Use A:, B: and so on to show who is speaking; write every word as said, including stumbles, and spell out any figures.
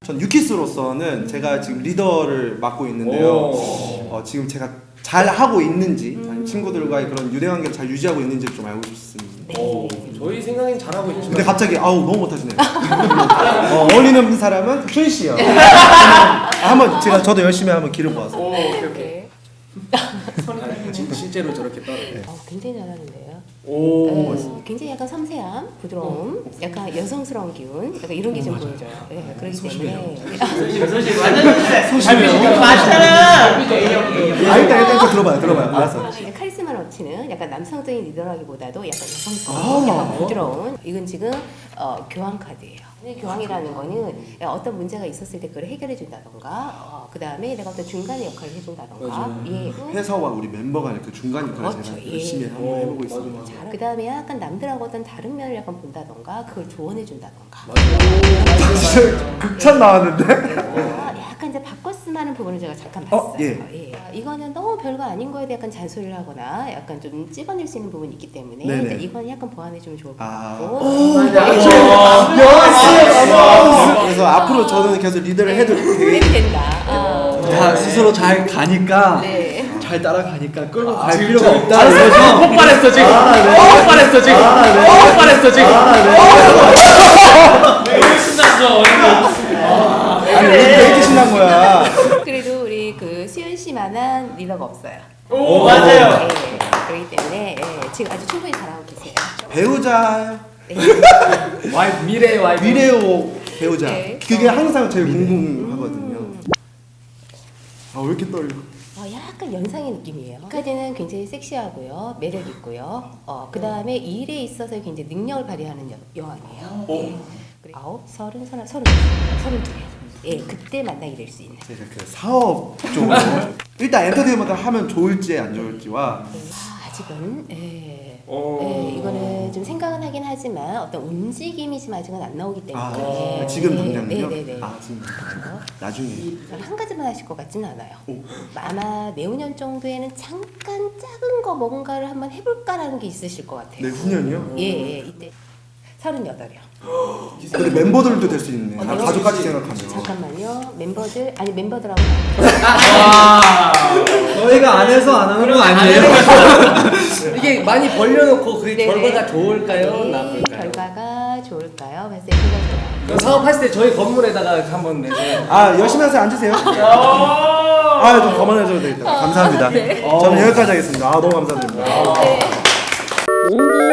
A: 전 유키스로서는 제가 지금 리더를 맡고 있는데요. 어, 지금 제가 잘 하고 있는지 아니면 친구들과의 그런 유대관계를 잘 유지하고 있는지 좀 알고 싶습니다.
B: 오, 저희 생각엔 잘하고 있지만
A: 근데 갑자기 아우 너무 못하시네요. 어, 어울리는 사람은 준 씨요. 아, 한번 제가 저도 열심히 한번 기를 모아서.
B: 오, 오케이 오케이.
C: 네.
B: 아, 진- 실제로 저렇게 따로.
C: 어, 굉장히 잘하는데요.
B: 오.
C: 네, 굉장히 약간 섬세함, 부드러움, 약간 여성스러운 기운, 약간 이런 게 좀 보여져요. 네, 그렇기 때문에
D: 소심 소심 완전
A: 소심해요.
D: 맞잖아.
A: 아 일단 일단 이거 들어봐요, 들어봐요. 알았어.
C: 카리스마 넘치는 약간 남성적인 리더라기보다도 약간 여성스러운,
A: 아.
C: 약간 부드러운. 이건 지금 어, 교환 카드예요. 교환이라는 거는 어떤 문제가 있었을 때 그걸 해결해 준다던가, 어, 그 다음에 내가 어떤 중간의 역할을 해준다던가,
B: 맞아요.
C: 예.
A: 회사와 우리 멤버 간의 그 중간 역할을
C: 그렇죠.
A: 제가
C: 예.
A: 열심히 한번 해보고 있습니다.
C: 그 다음에 약간 남들하고 어떤 다른 면을 약간 본다던가, 그걸 조언해 준다던가.
A: 진짜 극찬 나왔는데?
C: 아, 약간 이제 바꿔 쓰는 부분을 제가 잠깐 봤어요.
A: 어, 예.
C: 예. 이거는 너무 별거 아닌 거에 대해 약간 잔소리를 하거나 약간 좀 찝어낼 수 있는 부분이 있기 때문에
A: 네네.
C: 일단 이건 약간 보완해 주면 좋을 것
A: 아.
C: 같고.
A: 그래서 앞으로 저는 계속 리더를 해도 되게
C: 해도 된다. 어.
E: 다 스스로 잘 가니까
C: 네.
E: 잘 따라가니까 끌고 갈
B: 지금
E: 필요가
B: 저-
E: 없다는
B: 아,
E: 거죠.
B: 폭발했어 지금. 폭발했어 지금. 폭발했어 지금. 왜 신났어?
A: 아니 왜 이렇게 신난 거야?
C: 그래도 우리 그 수현 씨만한 리더가 없어요.
B: 오,
D: 맞아요.
C: 예. 그렇기 때문에 예, 지금 아주 충분히 잘하고 계세요.
A: 배우자
C: 네.
B: 와이프 미래의 와이프.
A: 미래오 배우자
C: 네.
A: 그게 항상 제일 궁금하거든요. 아 왜 이렇게 떨려?
C: 어, 약간 연상의 느낌이에요. 까지는 굉장히 섹시하고요, 매력 있고요. 어, 그 다음에 일에 있어서 굉장히 능력을 발휘하는 여, 여왕이에요. 예. 그리고 아홉, 서른, 서른, 서른, 서른 두 개. 예, 그때 만나게 될 수 있는.
A: 제가 그 사업 쪽으로 일단 엔터테인먼트 하면 좋을지 안 좋을지와
C: 예. 아, 아직은 예.
B: 오.
C: 예, 이거는 좀 생각은 하긴 하지만 어떤 움직임이 지금 아직은 안 나오기 때문에.
A: 아 지금 당장은요?
C: 네네네.
A: 아 지금 나중에
C: 저는 한 가지만 하실 것 같지는 않아요.
A: 오.
C: 아마 내후년 정도에는 잠깐 작은 거 뭔가를 한번 해볼까라는 게 있으실 것 같아요.
A: 내후년이요?
C: 예, 예, 이때 서른여덟이요.
A: 근데 멤버들도 될 수 있네. 아,
C: 어,
A: 가족까지 생각하면.
C: 잠깐만요. 멤버들 아니 멤버들하고
B: 아.
E: 저희가 안 해서 안 하는 건 아니에요.
D: 이게 많이 벌려놓고 그게
C: 네네.
D: 결과가 좋을까요?
C: 네,
D: 나쁠까요?
C: 결과가 좋을까요? 봤을 때 생각해요.
D: 그 사업했을 때 저희 건물에다가 한번 내세요.
A: 아 열심히 하세요. 앉으세요. 아좀 그만해줘도 되겠다. 감사합니다. 저는 여기까지 하겠습니다. 아 너무 감사드립니다.
C: 네.
F: 인디